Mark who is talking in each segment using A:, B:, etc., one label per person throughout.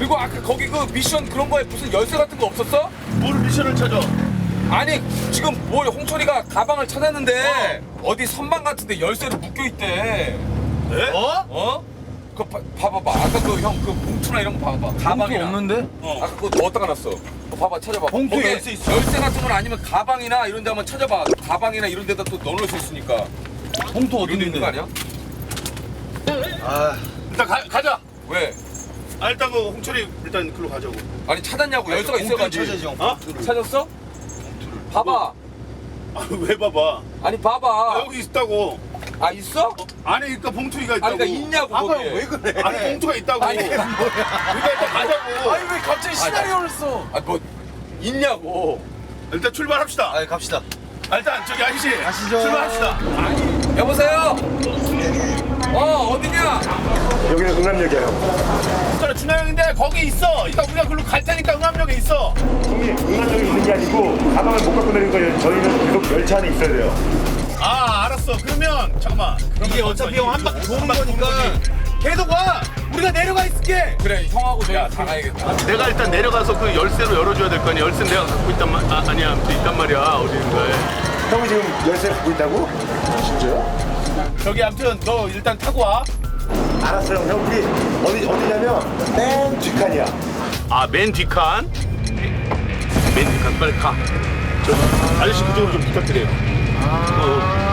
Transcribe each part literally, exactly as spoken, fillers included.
A: 그리고 아까 거기 그 미션 그런 거에 무슨 열쇠 같은 거 없었어?
B: 뭘 미션을 찾아?
A: 아니 지금 뭘 홍철이가 가방을 찾았는데 어. 디 선반 같은데 열쇠로 묶여 있대.
B: 네? 어?
A: 어? 그 봐, 봐봐봐. 아까 그 형 그 봉투나 이런 거 봐봐. 가방이나.
C: 없는데?
A: 어. 아까 그거 어디다 놨어? 어, 봐봐 찾아봐.
C: 봉투에
A: 거기에
C: 열쇠 있어.
A: 열쇠 같은 건 아니면 가방이나 이런 데 한번 찾아봐. 가방이나 이런 데다 또 넣어놓을 수 있으니까.
C: 봉투 어디
A: 이런 데 있는 거
C: 있는데?
A: 아니야?
C: 아,
B: 일단 가, 가자.
A: 왜?
B: 아 일단 그 홍철이 일단 글로 가자고.
A: 아니 찾았냐고. 열쇠가 있어가지고.
C: 찾아지 형.
B: 어?
A: 찾았어? 봐봐.
B: 아 왜 봐봐?
A: 아니
B: 아,
A: 봐봐.
B: 여기 있다고.
A: 아 있어?
B: 어, 안에 그러니까 봉투가 있다고.
A: 아니 그러니까 있냐고
C: 봐봐
A: 거기에.
C: 왜 그래?
B: 안에 봉투가 있다고.
A: 아니,
B: 그러니까 일단 가자고.
C: 아니 왜 갑자기 시나리오를 써?
A: 아 뭐 있냐고.
B: 일단 출발합시다.
C: 아 갑시다.
B: 아, 일단 저기 아저씨.
C: 가시죠.
B: 출발합시다.
A: 아니 여보세요? 어 어디냐?
D: 여기는 응남역이에요.
B: 그래 준하 형인데 거기 있어. 일단 우리가 글로 갈 테니까 응암역에 있어.
D: 형님, 응남역에 있는 게 아니고 가방을 못 갖고 내린 거예요. 저희는 계속 열차 안에 있어야 돼요.
B: 아 알았어. 그러면 잠깐만.
C: 이게 어차피 형 한 바퀴 도는 거니까 계속 와. 우리가 내려가 있을게.
A: 그래 형하고 내가 다 가야겠다.
B: 내가 일단 내려가서 그 열쇠로 열어줘야 될 거 아니야. 열쇠 내가 갖고 있단 말 아, 아니야. 아무튼 있단 말이야. 어디인가에.
D: 형이 지금 열쇠 갖고 있다고? 진짜요?
B: 저기 아무튼 너 일단 타고 와.
D: 알았어요. 형, 우리 어디, 어디냐면 맨 뒷칸이야.
B: 아 맨 뒷칸. 맨 뒷칸 빨리 가. 저 아저씨 그쪽으로 좀 부탁드려요. 어.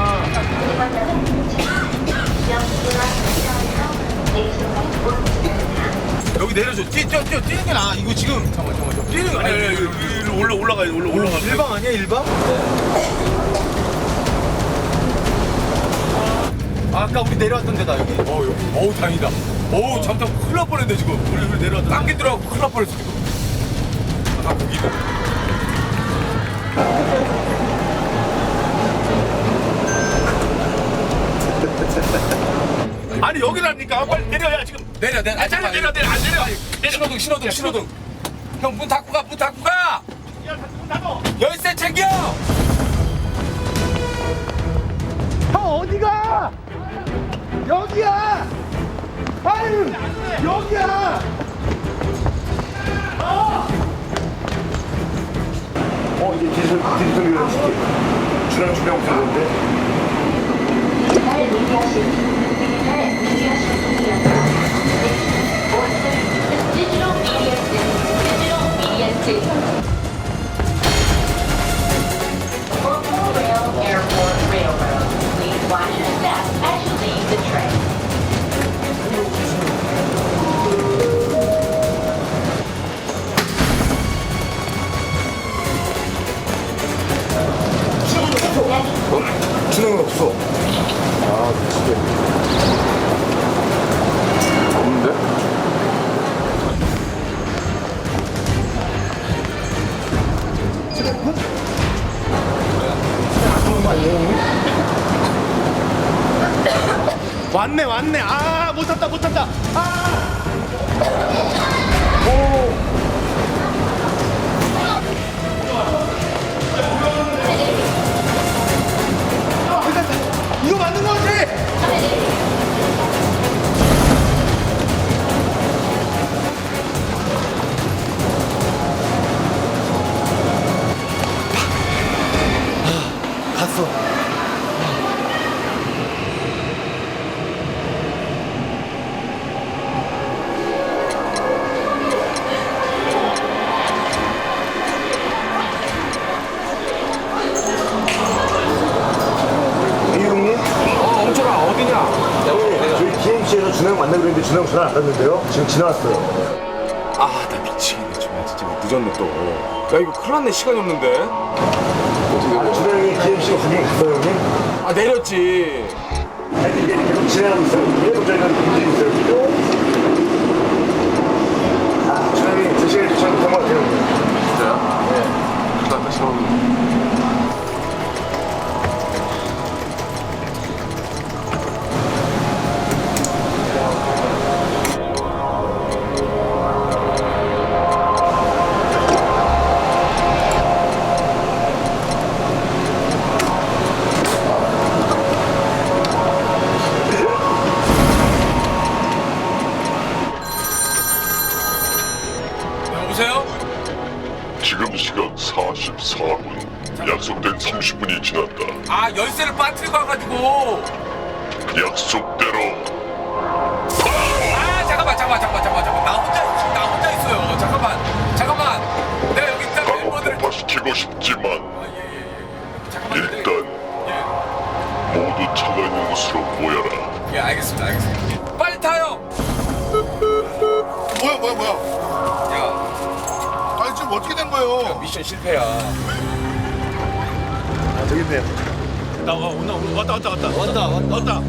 A: 여기 내려줘. 뛰, 뛰어, 뛰어, 뛰는 게 나아. 이거 지금 잠깐만, 잠깐만, 잠깐만. 뛰는 거
B: 아니 아니
A: 아니,
B: 아니 일로 올라 올라가 올라 올라가.
C: 일방 아니야 일방? 아까 우리 내려왔던 데다 여기.
A: 어, 여기, 어우 다행이다. 어우 잠깐 큰일 날 뻔했네 지금. 우리 우리 내려왔다. 딴게 들어가고 큰일 날 뻔했어 지금. 아 거기다.
B: 아니 여기라니까 빨리 내려야 지금.
A: 내려, 내려.
B: 아, 내려 내려 내려 안 내려. 내려.
A: 신호등, 신호등, 신호등. 형 문 닫고 가, 문 닫고 가.
B: 야 문 닫어.
A: 열쇠 챙겨.
C: 형 어디가? 여기야. 아유 여기야.
D: 어, 이제 디지털, 디지털 유연 시키. 주랑 준비하고 있었는데.
E: Digital Media Digital Media System. Local Rail Airport Railroad. Please watch your step as you leave the train.
D: 준영은 없어. 아, 미치겠네. 없는데?
C: 왔네 왔네. 아못 탔다 못 탔다. 아. 이거 맞는 거지? 갔어.
D: 이 형님?
A: 어, 엉철아 어디냐?
D: 네, 저희 디엠씨에서 준영 만나기로 했는데 준영 전화 안 받는데요? 지금 지나왔어요.
A: 아, 나 미치겠네 정말 진짜 늦었네 또. 야 이거 큰일 났네 시간이 없는데.
D: 아, 준영이 디엠씨가 구경 갔어요, 형님?
A: 아 내렸지.
D: 아니, 이게 계속 진행하고 있어요. 계속 저희가 움직이고 있어요, 지금. 아, 준영이 제 시간에 도착 못한 것 같아요, 형님.
A: 진짜요? 네. 나 다시 한번.
F: 이십사 분. 약속된 삼십 분이 지났다.
A: 아 열쇠를 빠뜨리고 와가지고.
F: 약속대로
A: 아 잠깐만 잠깐만 잠깐만 잠깐만 잠깐만. 나 혼자 있- 나 혼자 있어요. 잠깐만 잠깐만. 내가 여기 있다 멤버들을.
F: 폭파시키고 싶지만
A: 예예예. 잠깐만. 근데-
F: 일단
A: 예.
F: 모두 차가 있는 곳으로 모여라.
A: 예 알겠습니다 알겠습니다. 빨리 타요.
C: 뭐야 뭐야 뭐야?
A: 야
C: 아니 지금 어떻게 된 거예요?
A: 미션 실패야.
B: 나 와, 온다, 온다. 왔다, 왔다, 왔다. 왔다, 왔다. 왔다.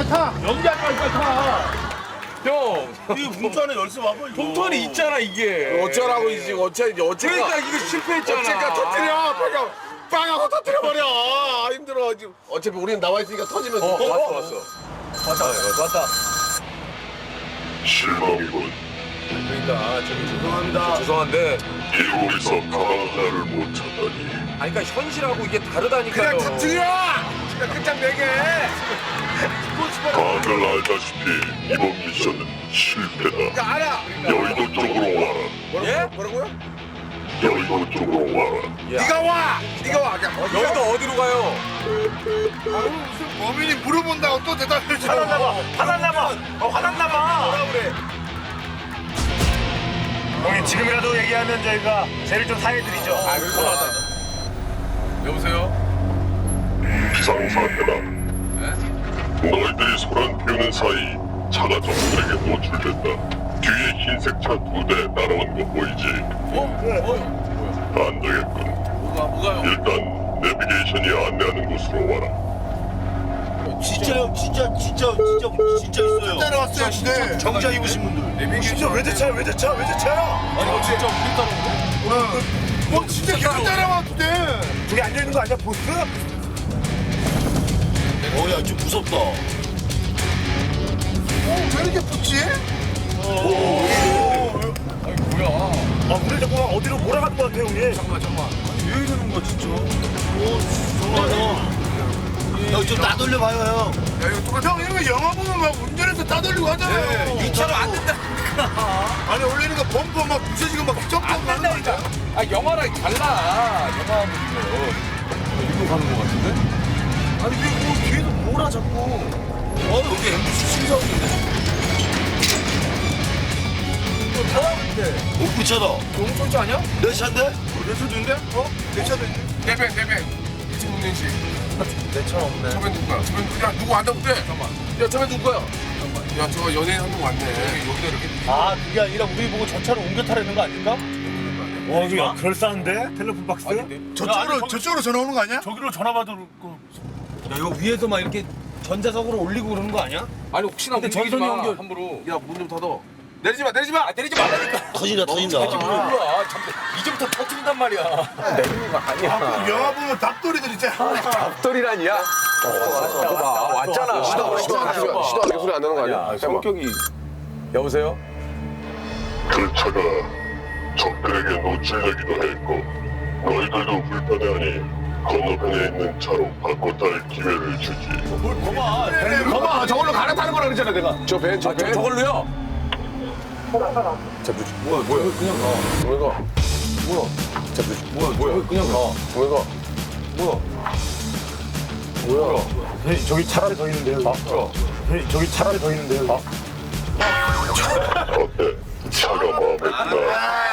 A: 형.
B: 이 문자 안에 열쇠 와봐, 이거.
A: 봉투 안에 있잖아 이게.
G: 어쩌라고 이제 어째 이제 어째가
A: 그러니까 이거 실패했잖아.
G: 어째가 터뜨려 빵하고 빵하고 터뜨려 버려 아, 힘들어 지금 어차피 우리는 나와 있으니까 터지면
A: 어, 왔어 왔어. 왔다 왔다 왔다.
F: 실망이군.
A: 그러니까 저기 죄송합니다. 죄송한데.
F: 일본에서 가방 하나를 못 찾다니.
A: 아니 그러니까 현실하고 이게 다르다니까요.
G: 그냥 터뜨려 그냥 끝장 내게
F: 다들 알다시피 이번 미션은 실패다.
G: 야 알아
F: 여의도 쪽으로 와라.
A: 예?
G: 뭐라고요?
F: 여의도 쪽으로 와라.
G: 네가 와 네가 와 그냥 어디가
A: 여기도 어디로 가요?
C: 아유 무슨 범인이 물어본다고 또 대답해 줘.
B: 화났나봐. 어, 화났나봐. 뭐라 그래.
D: 형님 지금이라도 얘기하면 저희가 죄를 좀 사해드리죠.
A: 아 그래서 여보세요?
F: 비상사태다. 너희들이 소란 피우는 사이 차가 적들에게 노출됐다. 뒤에 흰색 차 두 대 따라오는 거 보이지?
A: 어? 어?
F: 안 되겠군.
A: 뭐가 뭐가요?
F: 일단 내비게이션이 안내하는 곳으로 와라.
B: 진짜요, 진짜, 진짜, 진짜, 진짜 있어요.
C: 따라왔어요 근데.
B: 정장 입으신 분들.
C: 진짜
B: 외제차야, 외제차, 외제차야.
A: 아니 이거 진짜 우리 따라오는데?
C: 뭐 진짜 계속 따라왔대.
B: 저기 앉아있는 거 아니야, 보스? 어, 야, 좀 무섭다.
C: 왜 이렇게 붙지?
A: 아니 뭐야?
D: 아, 우리 자꾸 어디로 몰아가는 것 같아요, 형님.
A: 잠깐만 잠깐만.
B: 왜 이러는 거야, 진짜? 오, 정말. 형, 좀 따돌려봐요, 형.
C: 야 이거 똑같아. 형 이거 영화 보면 막 운전해서 따돌리고 하잖아요.
A: 이 차로 안 된다.
C: 아니 원래는 그 범퍼 막 부서지고 막 점프
A: 안
C: 가는 거
A: 된다니까.
C: 아니야?
A: 아 영화랑 달라. 영화하고 이거. 일로 가는 거 같은데?
B: 아니, 왜, 뭐, 뒤에서 몰아, 자꾸. 어, 여기 엠비씨 신사옥인데? 못 붙여다.
A: 너무 쫄지 않냐?
B: 내 차인데?
C: 내 차도인데? 어? 내 차도 있네.
A: 네배 네배. 이천육 년식.
B: 내 차 없네.
A: 저bên 누구야? 저bên 야 누구 안다고 그래? 잠깐만. 야 저bên 누구야? 잠깐만. 야 저거 연예인 한 명 왔네. 여기, 여기다 이렇게.
B: 아, 그게 아니라 우리 보고 저 차로 옮겨 타려는 거 아닐까?
D: 와, 이거 그럴싸한데? 텔레폰 박스?
C: 저쪽으로 저쪽으로 전화 오는 거 아니야?
D: 저기로 전화 받을 거.
B: 야, 이거 위에서 막 이렇게 전자석으로 올리고 그러는 거 아니야?
A: 아니 혹시나
B: 근데
A: 움직이지
B: 전선이
A: 마.
B: 연결-
A: 함부로. 야 문 좀 닫아. 내리지 마 내리지 마. 아, 내리지 말라니까.
B: 터진다, 터진다.
A: 아직 몰라. 잠깐 이제부터 터트린단 말이야. 내리는 거 아니야.
C: 영화 보면 닭도리들 있잖아.
A: 앞돌이라니야. 봐 왔잖아.
G: 시도 시도 안 하게 시도 안 하게 소리 안 나는 거 아니야?
A: 성격이. 여보세요?
F: 그 차가 적들에게 노출되기도 했고 너희들도 불편해하니 건너편에 있는 차로 바꿔 탈 기회를 주지.
G: 봐봐 저걸로 갈아타는 거라 그랬잖아 내가 저 배 저 배
A: 저걸로요?
G: 자 뭐야 뭐야 그냥 가 왜 가? 뭐야 자 뭐야 뭐야 그냥 가 왜 가? 뭐야 뭐야
D: 형님, 저기 차라리 더 있는데요. 형님, 저기 차라리 더 있는데요.
F: 어때? 차가 마음에 든다.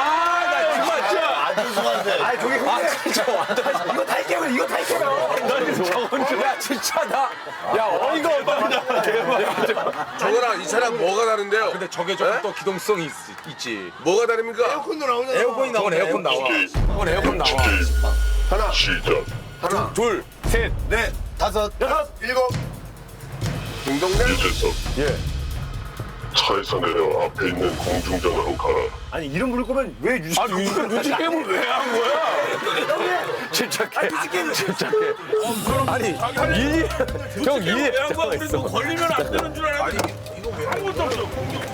B: 아주 수고하세요.
D: 아니, 저기 형님. 이거 탈게요, 이거 탈게요.
A: 야 진짜 나. 야 어이가 없다.
G: 저거랑 이 차랑 뭐가 다른데요?
A: 근데 저게 조금 또 기동성이 있, 있지.
G: 뭐가 다릅니까?
C: 에어컨도 나오잖아.
B: 에어컨이 나오네.
A: 저건 에어컨 나와. 저건 에어컨 나와.
G: 하나
F: 시작.
G: 하나
A: 둘.
C: 넷, 다섯, 여섯, 일곱.
G: 김동래
F: 이재석.
G: 예
F: 차에서 내려 앞에 있는 공중전화로 가라.
D: 아니, 이름 부를 거면 왜 유시?
A: 아 눈치 눈치 게임을 왜 한 거야? 침착해. 침착해. 아니 이 형 이해.
B: 걸리면 안 되는 줄 알았는데. 아니, 이거 왜 아무것도 없어.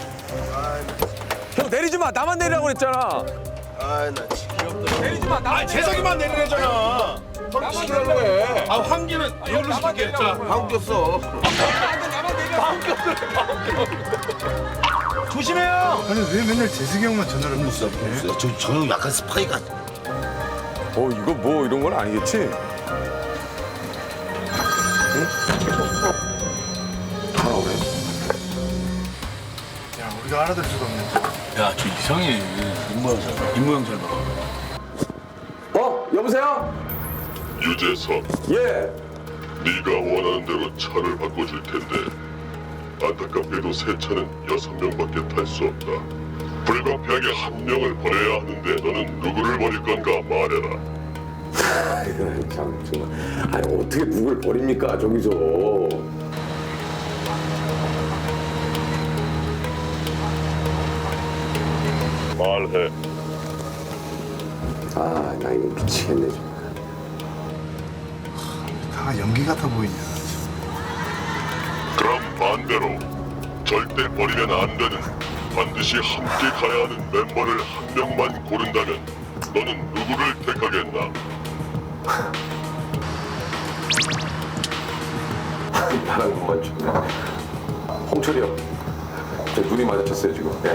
A: 형 내리지 마. 나만 내리라고 그랬잖아.
C: 아, 나 진짜.
A: 내리지 마. 나만
B: 재석이만 내리래잖아.
A: 나만 내리라고 해.
B: 아, 환기는 이걸로 시킬게. 자,
G: 방귀 없어
A: 나만 내려.
B: 조심해요.
C: 아니 왜 맨날 재석이 형만 전화를 못 써?
B: 저, 저 형 약간 스파이가.
A: 어 이거 뭐 이런 건 아니겠지?
C: 야, 우리가 알아들 수가 없네.
B: 야, 저 이상해. 입모양 잘, 입모양 잘 봐.
G: 어? 여보세요?
F: 유재석,
A: 예.
F: 네가 원하는 대로 차를 바꿔줄 텐데 안타깝게도 새 차는 여섯 명밖에 탈 수 없다. 불가피하게 한 명을 버려야 하는데 너는 누구를 버릴 건가 말해라.
G: 아이고, 참 정말. 아니 어떻게 누굴 버립니까 저기서?
F: 말해.
G: 아, 나 이거 미치겠네 정말.
C: 다 연기 같아 보이냐.
F: 그럼 반대로 절대 버리면 안 되는 반드시 함께 가야 하는 멤버를 한 명만 고른다면 너는 누구를 택하겠나?
G: 나랑 것만 좀. 홍철이 형. 제 눈이 마주쳤어요 지금. 예.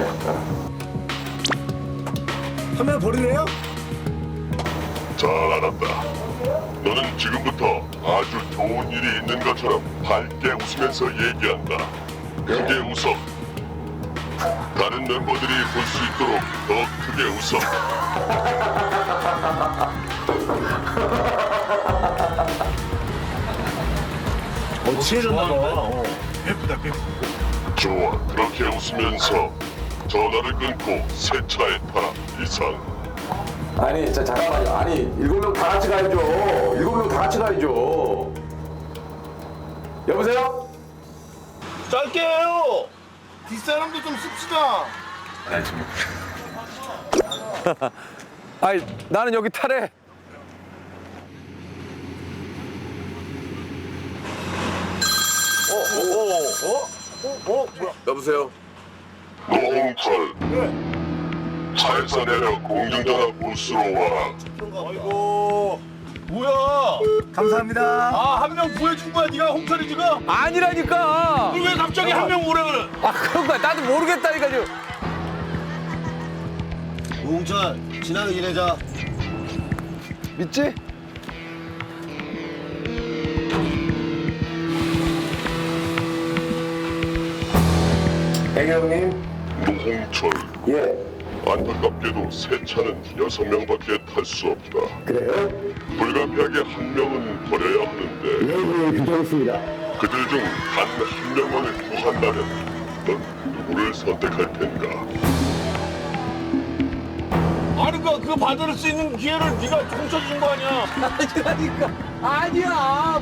C: 한 명 버리래요?
F: 잘 알았다. 너는 지금부터 아주 좋은 일이 있는 것처럼 밝게 웃으면서 얘기한다. 크게 웃어. 다른 멤버들이 볼 수 있도록 더 크게 웃어.
C: 어, 취해졌나 봐. 어. 예쁘다, 예쁘다.
F: 좋아. 그렇게 웃으면서 전화를 끊고 새 차에 타라. 이상.
G: 아니, 자 잠깐만요. 아니 일곱 명 다 같이 가야죠. 일곱 명 다 같이 가야죠. 여보세요?
C: 짧게 해요. 뒷사람도 좀 씁시다.
A: 아이 나는 여기 타래.
G: 여보세요?
F: 노홍철. 차에서 내려 공중전화 부스로 와라.
B: 아이고. 뭐야?
C: 감사합니다.
B: 아, 한 명 구해준 거야? 네가 홍철이 지금?
A: 아니라니까.
B: 그걸 왜 갑자기 한 명 오래 그래?
A: 아 그런 거야. 나도 모르겠다니까 지금.
C: 우홍철, 지나는 일해자.
A: 믿지?
G: 애경님?
F: 노홍철.
G: 예.
F: 안타깝게도 새 차는 여섯 명밖에 탈 수 없다.
G: 그래요?
F: 불가피하게 한 명은 버려야 하는데
G: 예, 예, 괜찮습니다.
F: 그들 중 단 한 명만을 구한다면 넌 누구를 선택할 텐가?
B: 아니, 그, 그거 받을 수 있는 기회를 네가 홍철이 준 거 아니야?
A: 아니라니까. 아니야.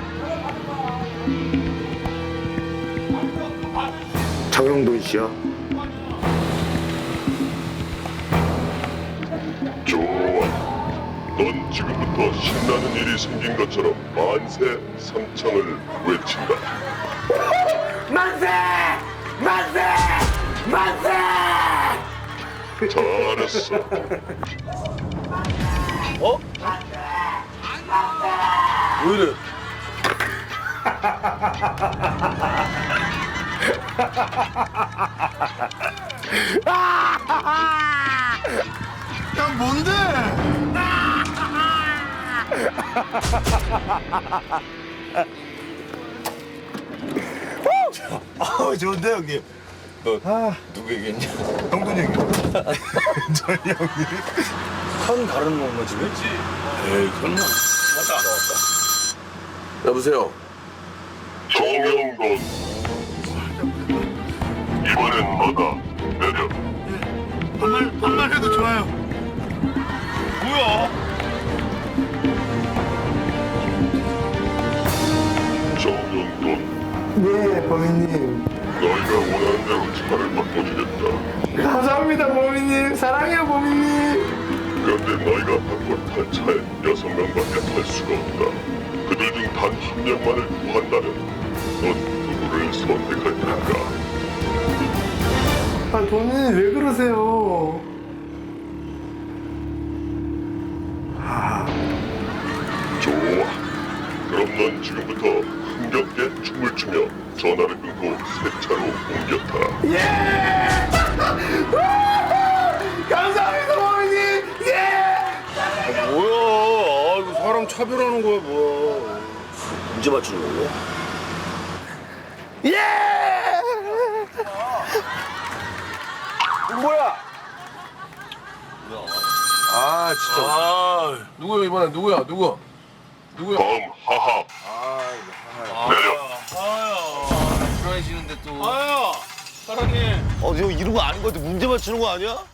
C: 장영돈 씨야.
F: 좋아. 넌 지금부터 신나는 일이 생긴 것처럼 만세 삼창을 외친다.
G: 만세! 만세! 만세!
F: 잘했어.
B: 어? 왜 이래?
C: 야, 뭔데? 아, 좋은데 형님.
B: 누구 얘기했냐?
C: 형돈 형님. 저희 형님.
B: 선 가르는 건가 지금? 그렇지. 에이, 설마. 맞다.
G: 여보세요?
F: 정영돈. 이번엔 너다. 내려.
C: 반말, 반말해도 좋아요.
B: 뭐야?
F: 정영돈.
C: 네, 범인님.
F: 너희가 원하는 대로 차를 바꿔주겠다.
C: 감사합니다, 범인님. 사랑해요, 범인님.
F: 그런데 너희가 바꿀 탈 차에 여섯 명밖에 탈 수가 없다. 그들 중 단 한 명만을 구한다면 넌 누구를 선택할 텐가?
C: 아, 범인님 왜 그러세요?
F: 좋아. 그럼 넌 지금부터 흥겹게 춤을 추며 전화를 끊고 새 차로 옮겨 타라.
C: 예! 감사합니다, 범인님. 예!
B: 뭐야?
G: 차별하는 거야 뭐야.
C: 문제 맞추는 거야?
A: 뭐야?
G: 아 진짜.
B: 아,
G: 누구야 이번엔 누구야 누구? 누구야?
F: 다음 하하. 내려.
C: 불안해지는데 또.
B: 아야, 사랑해.
C: 어, 형 이런 거 아닌 거 같아. 문제 맞추는 거 아니야?